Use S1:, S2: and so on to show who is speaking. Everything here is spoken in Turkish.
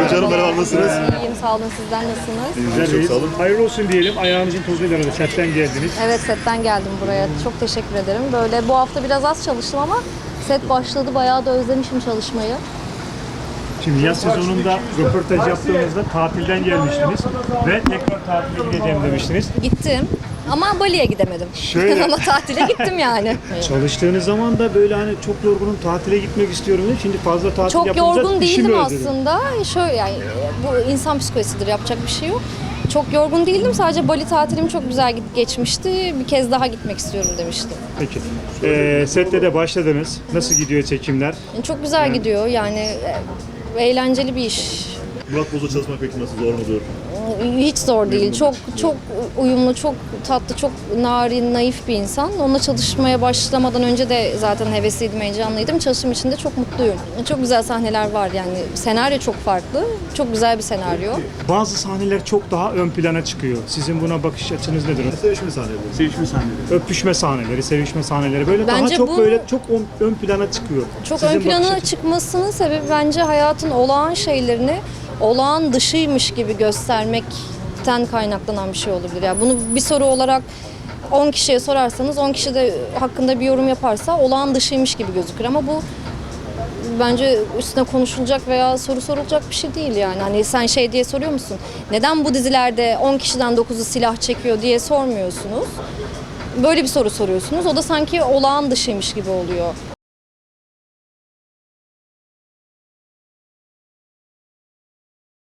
S1: Gonca Hanım merhaba, nasılsınız?
S2: İyiyim, sağ olun. Sizden nasılsınız?
S1: İyiyim, çok sağ olun.
S3: Hayırlı olsun diyelim. Ayağınızın tozuyla arada setten geldiniz.
S2: Evet, setten geldim buraya. Çok teşekkür ederim. Böyle bu hafta biraz az çalıştım ama set başladı. Bayağı da özlemişim çalışmayı.
S3: Şimdi yaz sezonunda röportaj yaptığınızda tatilden gelmiştiniz ve tekrar tatile gideceğim demiştiniz.
S2: Gittim ama Bali'ye gidemedim.
S3: Şöyle.
S2: Ama tatile gittim yani.
S3: Çalıştığınız zaman da böyle hani çok yorgunum tatile gitmek istiyorum diye. Şimdi fazla tatil
S2: Çok
S3: yapınca
S2: yorgun
S3: işimi
S2: değildim
S3: özledim.
S2: aslında. Şöyle yani bu insan psikolojisidir, yapacak bir şey yok. Çok yorgun değildim. Sadece Bali tatilim çok güzel geçmişti. Bir kez daha gitmek istiyorum demiştim.
S3: Peki. Sette de başladınız. Nasıl gidiyor çekimler?
S2: Yani çok güzel gidiyor. Yani eğlenceli bir iş.
S1: Murat Boz'la çalışmak peki nasıl, zor mudur?
S2: Hiç zor değil. Çok uyumlu, çok tatlı, çok narin, naif bir insan. Onunla çalışmaya başlamadan önce de zaten hevesliydim, heyecanlıydım. Çalıştığım için de çok mutluyum. Çok güzel sahneler var yani. Senaryo çok farklı. Çok güzel bir senaryo.
S3: Bazı sahneler çok daha ön plana çıkıyor. Sizin buna bakış açınız nedir?
S1: Sevişme sahneleri.
S3: Sevişme sahneleri. Öpüşme sahneleri, sevişme sahneleri böyle daha
S2: Bence
S3: çok
S2: bu-
S3: böyle çok ön plana çıkıyor.
S2: Çok
S3: Sizin
S2: ön
S3: bakış
S2: plana
S3: açınız.
S2: çıkmasının sebebi bence hayatın olağan şeylerini olağan dışıymış gibi göstermekten kaynaklanan bir şey olabilir. Yani bunu bir soru olarak 10 kişiye sorarsanız 10 kişi de hakkında bir yorum yaparsa olağan dışıymış gibi gözükür ama bu bence üstüne konuşulacak veya soru sorulacak bir şey değil yani. Hani sen şey diye soruyor musun? Neden bu dizilerde 10 kişiden 9'u silah çekiyor diye sormuyorsunuz. Böyle bir soru soruyorsunuz. O da sanki olağan dışıymış gibi oluyor.